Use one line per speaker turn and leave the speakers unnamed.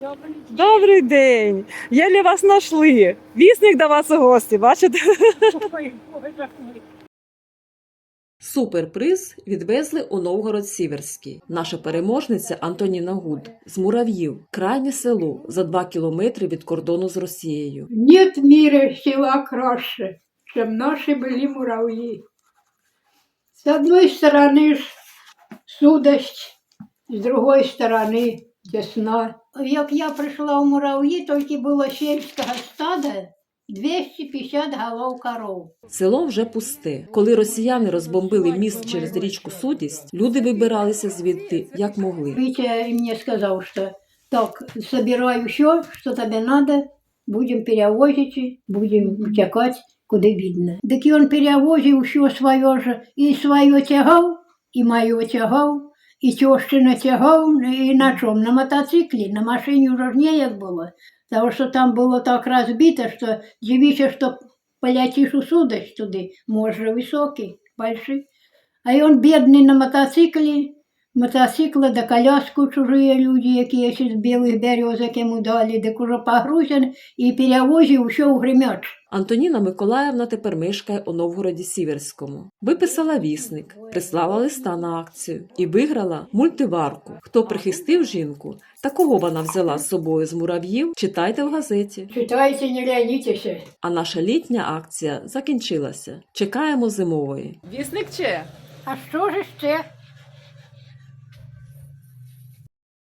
Добрий день! Єлі вас знайшли. Вісник до вас у гості, бачите?
Суперприз відвезли у Новгород-Сіверський. Наша переможниця Антоніна Гуд з Мурав'їв, крайнє село за 2 кілометри від кордону з Росією.
Нет в мире села краше, чем наши были муравьи. С одной стороны ж судость, с другой стороны весна. Як я прийшла в мурав'ї, тільки було сільського стада 250 голов коров.
Село вже пусте. Коли росіяни розбомбили міст через річку Судість, люди вибиралися звідти як могли.
Витя мне сказал, что так, собирай все, что тебе надо, будем перевозить, будем утекать, куда видно. Так и он перевозил все свое же, и свое тягал, и мое тягал, и тещина тягал, и на чем? На мотоцикле, на машине уже не як было, потому что там было так разбито, что дивишься, что полетишь у судость туда, может, высокий, большой. А и он бедный на мотоцикла да коляску чужие люди, які ще з білих березок йому дали, так уже погрузен і перевозив все у Гремяч.
Антоніна Миколаївна тепер мешкає у Новгороді-Сіверському. Виписала вісник, прислала листа на акцію і виграла мультиварку. Хто прихистив жінку та кого вона взяла з собою з Мурав'їв, читайте в газеті.
Читайте, не лянітеся.
А наша літня акція закінчилася. Чекаємо зимової.
Вісник чи?
А що ж ще?